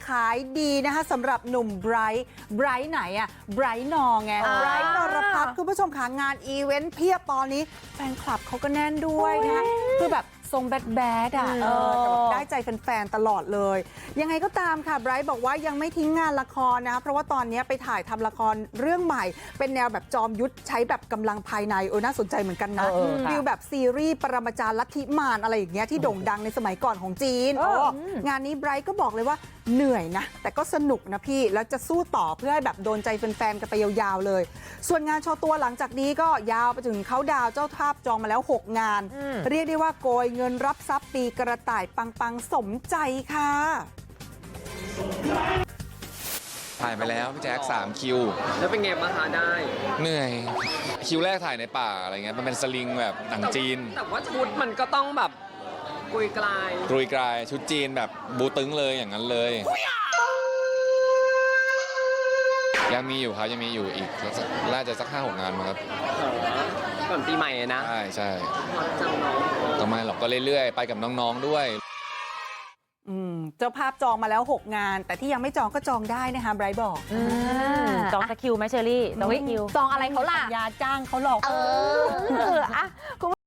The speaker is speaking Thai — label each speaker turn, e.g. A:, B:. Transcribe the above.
A: ขายดีนะคะสำหรับหนุ่มไบรท์ไหนอะไบรท์นอไงไบรท์นรพัฒน์คุณผู้ชมค่ะงานอีเวนต์เพียบตอนนี้แฟนคลับเขาก็แน่นด้วยนะคะคือแบบทรงแบดอ่ะแต่แบบได้ใจแฟนๆตลอดเลยยังไงก็ตามค่ะไบรท์บอกว่ายังไม่ทิ้งงานละครนะเพราะว่าตอนนี้ไปถ่ายทำละครเรื่องใหม่เป็นแนวแบบจอมยุทธใช้แบบกำลังภายในน่าสนใจเหมือนกันนะฟิลแบบซีรีส์ปรมาจารย์ลัทธิมารอะไรอย่างเงี้ยที่โด่งดังในสมัยก่อนของจีนงานนี้ไบรท์ก็บอกเลยว่าเหนื่อยนะแต่ก็สนุกนะพี่แล้วจะสู้ต่อเพื่อให้แบบโดนใจแฟนๆกันไปยาวๆเลยส่วนงานโชว์ตัวหลังจากนี้ก็ยาวไปถึงเขาดาวเจ้าภาพจองมาแล้ว6 งานเรียกได้ว่าโกยเงินรับทรัพย์ปีกระต่ายปังๆสมใจค่ะ
B: ถ่ายไปแล้วพี่แจ๊ค3 คิว
C: แล้วเป็นไงบ้างคะได้
B: เหนื่อยคิวแรกถ่ายในป่าอะไรเงี้ยมันเป็นสลิงแบบหนังจีน
C: แต่ว่าชุดมันก็ต้องแบบกุยกลาย
B: ชุดจีนแบบบูตึงเลยอย่างนั้นเลยยังมีอยู่ครับยังมีอยู่อีกน่าจะสัก 5-6 งานมั้งครับ
C: ก่อนปีใหม่นะ
B: ใช่ก็ไม่หรอกก็เรื่อยๆไปกับน้องๆด้วย
A: เจ้าภาพจองมาแล้ว6 งานแต่ที่ยังไม่จองก็จองได้นะคะไบรท์บอก
D: จองสักคิวไหมเชอรี่จองคิว
A: จองอะไรเขาล่ะยาจ้างเขาหรอก